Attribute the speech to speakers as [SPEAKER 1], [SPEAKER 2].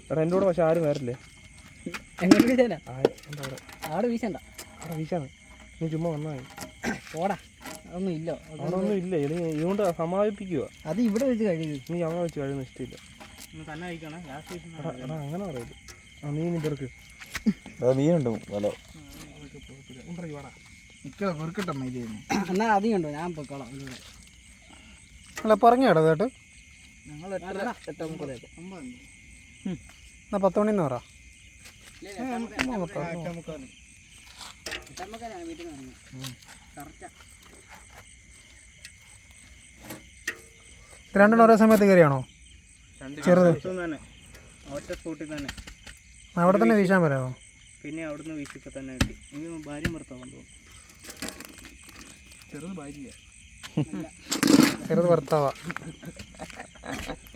[SPEAKER 1] എടാ എൻ്റെ കൂടെ പക്ഷെ ആരും വരില്ലേ.
[SPEAKER 2] എങ്ങോട്ട് വീശാനാ?
[SPEAKER 1] എന്താ അവിടെ
[SPEAKER 2] അവിടെ വീശണ്ട.
[SPEAKER 1] അവിടെ വീശാണ്. നീ ചുമ്മാ വന്നാൽ
[SPEAKER 2] പോടാ, അതൊന്നും ഇല്ല.
[SPEAKER 1] അവിടെ ഒന്നും ഇല്ല. ഇതുകൊണ്ട് സമാപിപ്പിക്കുക.
[SPEAKER 2] അത് ഇവിടെ വെച്ച് കഴിയും.
[SPEAKER 1] നീ അവിടെ വെച്ച് കഴിയുന്ന ഇഷ്ടമില്ല.
[SPEAKER 2] തന്നെ കഴിക്കണം.
[SPEAKER 1] എടാ അങ്ങനെ പറയരുത്. ആ മീൻ ഇതെടുക്ക്.
[SPEAKER 3] മീനുണ്ട് വല.
[SPEAKER 2] എന്നാ അധികം ഉണ്ടോ? ഞാൻ പൊക്കോളാം.
[SPEAKER 4] അല്ല പറഞ്ഞേടാ കേട്ടോ.
[SPEAKER 2] ഞങ്ങൾ 8:30
[SPEAKER 4] എന്നാ 10 മണിന്ന് പറ.
[SPEAKER 2] വീട്ടിൽ നിന്ന് കറക്റ്റാ.
[SPEAKER 4] രണ്ടെണ്ണം ഒരേ സമയത്ത് കയറിയാണോ? ചെറുത്
[SPEAKER 2] ഒറ്റ സ്പോട്ടിൽ തന്നെ
[SPEAKER 4] അവിടെ തന്നെ വീശാൻ പറ്റാമോ?
[SPEAKER 2] പിന്നെ അവിടുന്ന് വീശിപ്പോൾ തന്നെ കിട്ടി. എനിക്ക് ഭാര്യ ഭർത്താവാൻ തോന്നുന്നു.
[SPEAKER 1] ചെറുത് ഭാര്യ,
[SPEAKER 4] ചെറുത് ഭർത്താവാ.